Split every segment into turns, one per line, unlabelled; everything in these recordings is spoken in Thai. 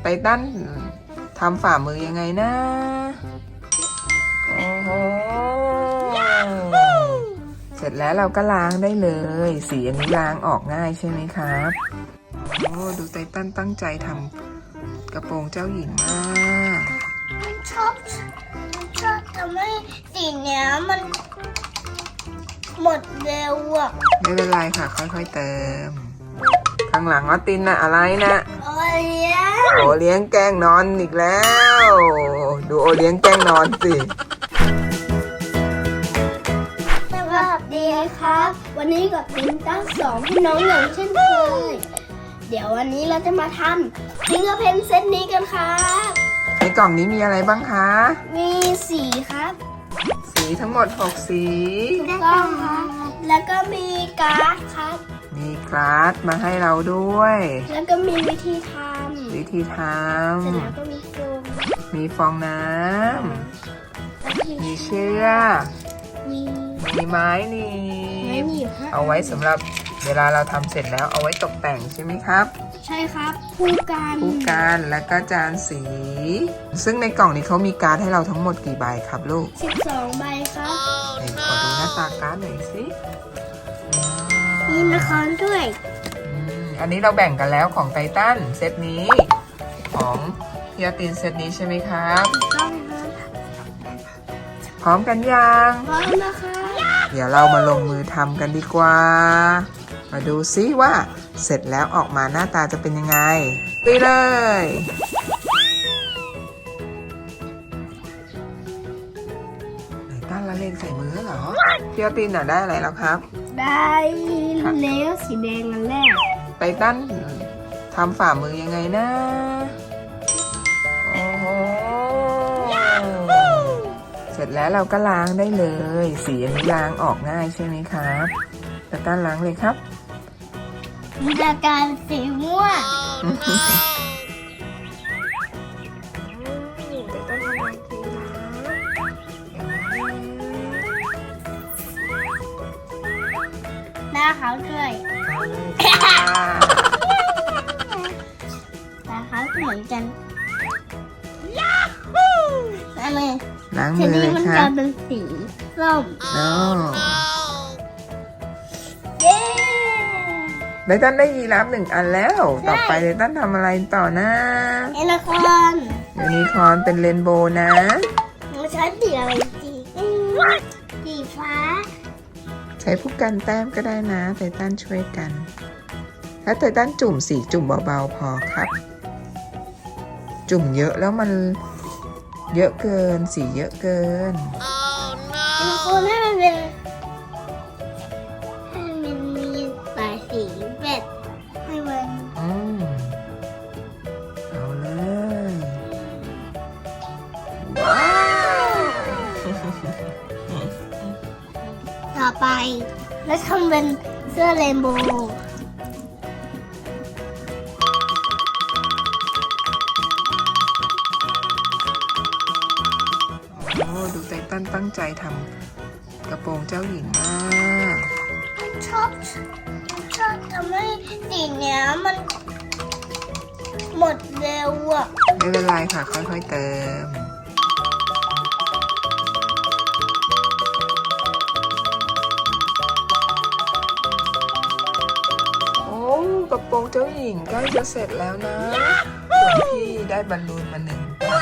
ไททันทำฝ่ามือยังไงนะโอ้โหเสร็จแล้วเราก็ล้างได้เลยสีอันนี้ล้างออกง่ายใช่ไหมครับโอ้ดูไททันตั้งใจทำกระโปรงเจ้าหญิงมาก
ชอบทำให้สีเนี้ยมันหมดเร็วอ่ะ
ไม่เป็นไรค่ะค่อยๆเติมข้างหลังออตินน่ะอะไรนะ
โอเลี้ยง
โอเลี้ยงแกล้งนอนอีกแล้วดูโอเลี้ยงแกล้งนอนสิ
สวัสดีครับวันนี้กับตินตั้งสองพี่น้องอย่างเช่นเคยเดี๋ยววันนี้เราจะมาทำฟิงเกอร์เพนเซตนี้กันครับ
ในกล่องนี้มีอะไรบ้างคะ
มีสีครับ
สีทั้งหมด6สี
ถูกต้องครับแล้วก็มีการ์ดครับ
มีการ์ดมาให้เราด้วย
แล้วก็มีวิธีท
ำเสร็จ
แล้วก็มีโฟม
มีฟองน้ำมีเชือกมีไม้หนีบเอาไว้สำหรับเวลาเราทำเสร็จแล้วเอาไว้ตกแต่งใช่ไหมครับ
ใช่ครับคู่
กันแล้วก็จานสีซึ่งในกล่องนี้เขามีการ์ดให้เราทั้งหมดกี่ใบครับลูก
12ใบครับ
ขอดูหน้าตาการ์ดหน่อยสิ
มีละครด้วย
อันนี้เราแบ่งกันแล้วของไททันเซตนี้ของพี่อาตินเซตนี้ใช่ไหมครับ
ต้องครับ
พร้อมกันยัง
พร้อมนะคะ
เดี๋ยวเรามาลงมือทำกันดีกว่ามาดูซิว่าเสร็จแล้วออกมาหน้าตาจะเป็นยังไงไปเลยไททันละเลงใส่มือเหรอพี่อาตินน่ะได้อะไรแล้วครับ
ได้เลโก้สีแดงอันแรก
ไททันทำฝ่ามือยังไงนะโอ้โหเสร็จแล้วเราก็ล้างได้เลยสีอันนี้ล้างออกง่ายใช่ไหมครับไททันล้างเลยครับ
มันจะกลายเป็นสีม่วงหน้าเขาด้วยตาเขาเหมือนกัน
ล้างมือเลยครับ
ทีนี้มันจะเป็นสีส้มเย้
ไททันได้ยีราฟ1 อันแล้วต่อไปไททันทำอะไรต่อนะ
ยูนิคอร์น
เป็นเรนโบว์นะ
มันใช้สีอะไรสีฟ้า
ใช้ผู้กันแต้มก็ได้นะไททันช่วยกันถ้าไททันจุ่มสีจุ่มเบาๆพอครับจุ่มเยอะแล้วมันเยอะเกินสีเยอะเกิน
คนให้มันเป็นมีหลายสีแบบให้มัน
เอาเลยว้าว
ต่อไปแล้วทำเป็นเสื้อเรนโบว์
ดูไททันตั้งใจทำกระโปรงเจ้าหญิงมาก
ชอบทำให้สีเนี้ยมันหมดเร็วอ่ะ
ไม่เป็นไรค่ะค่อยๆเติมโอ้กระโปรงเจ้าหญิงใกล้จะเสร็จแล้วนะส่วนพี่ได้บอลลูนมา1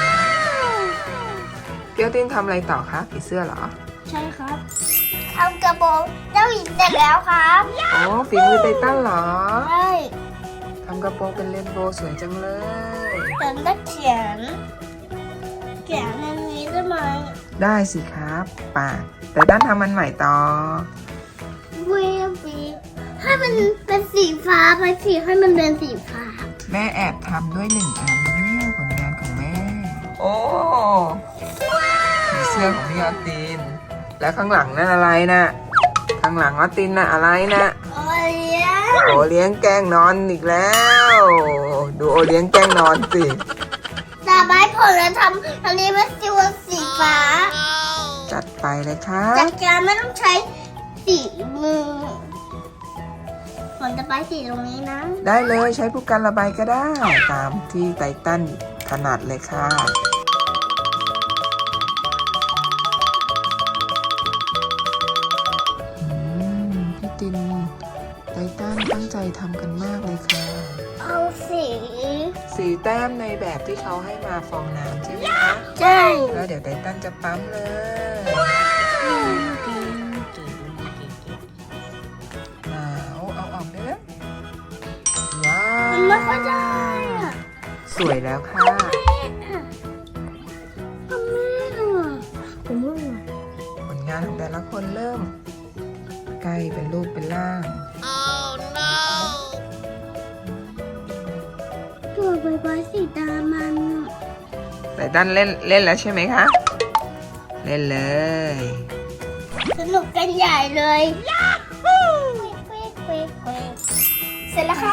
เกียวตินทำอะไรต่อคะผีเสื้อเหรอ
ใช่ครับทำกระโปรงเจ้าหญิงเสร็จแล้วครับ
อ๋อฝีมือไททันเหรอ
ใช่
ทำกระโปรงเป็นเรนโบว์สวยจังเลย
แต่ต้องเขียนในนี้ได้ไหม
ได้สิครับป่ะแต่ด้านทำมันใหม่ต่อ
ให้มันเป็นสีฟ้าไปสีให้มันเป็นสีฟ้า
แม่แอบทำด้วย1 อันเนี่ยผลงานของแม่โอ้มีเสื้อของพี่ออตินแล้วข้างหลังนั่นอะไรนะข้างหลังออตินน่ะอะไรนะ
โอเลี้ยง
แกล้งนอนอีกแล้วดูโอเลี้ยงแกล้งนอนสิ
แต่ใบผลแล้วทำอันนี้เป็นสีฟ้า
จัดไปเลยครับ
จัดการไม่ต้องใช้สีมือผมจะไปสีตรงนี้นะ
ได้เลยใช้ผู้กันระบายก็ได้ ตามที่ไตตันถนัดเลยค่ะพี่ตินไตตันตั้งใจทำกันมากเลยค่ะ
เอาสี
สีแต้มในแบบที่เขาให้มาฟองน้ำใช่ไหมคะ
ใช่
แล้วเดี๋ยวไตตันจะปั๊มเลยเอาออกได้แล้วว้าว
มันไม่ค่อยได้อะ
สวยแล้วค่ะ
ผมไม่
ผลงานของแต่ละคนเริ่มใกล้เป็นรูปเป็นร่าง
ตัวใบไม้สีดำมัน
ไตตันเล่นแล้วใช่ไหมคะ เล่นเลย
สนุกกันใหญ่เลยเสร็จแล้วค่ะ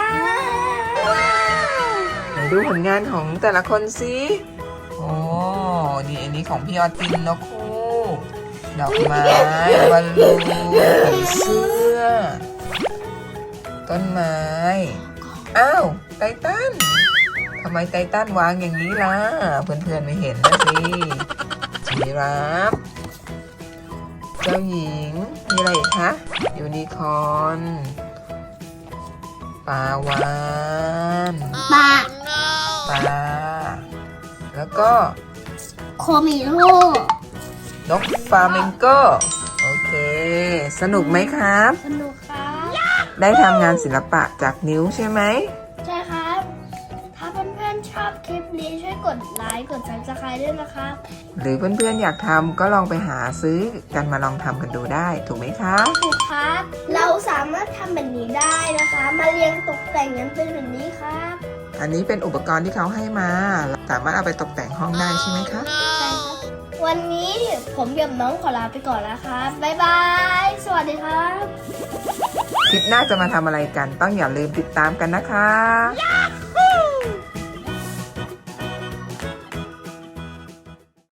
ไหนดูผลงานของแต่ละคนสิโอ้นี่อันนี้ของพี่ออตินนกคู่ดอกไม้บอลลูนผีเสื้อ ต้นไม้ อ้าวไตตันทำไมไตตันวางอย่างนี้ล่ะ เพื่อนๆไม่เห็นนะสิจีราฟเจ้าหญิง มีอะไรอีกคะยูนิคอร์นปลาวาน
ปลา
ปลา แล้วก็
โคมิโร่
นกฟลามิงโกโอเค สนุกไหมครับ
สนุกครับ
ได้ทำงานศิลปะจากนิ้วใช่ไหม
ใช่ครับ ถ้าเพื่อนๆชอบคลิปนี้ช่วยกดไลค์กด Subscribe ด้วยนะครับ
หรือเพื่อนๆอยากทำก็ลองไปหาซื้อกันมาลองทำกันดูได้ ถูกไหมคะ
ถูกครับ เราสามารถทำแบบนี้ได้นะคะ มาเรียงตกแต่งกันเป็นแบบนี้ครับ
อันนี้เป็นอุปกรณ์ที่เขาให้มาสามารถเอาไปตกแต่งห้องได้ใช่ไหมคะ
ใช่ครับ วันนี้ผมกับน้องขอลาไปก่อนแล้วครับ บ๊ายบาย สวัสดีครับ
คลิปหน้าจะมาทำอะไรกัน ต้องอย่าลืมติดตามกันนะคะ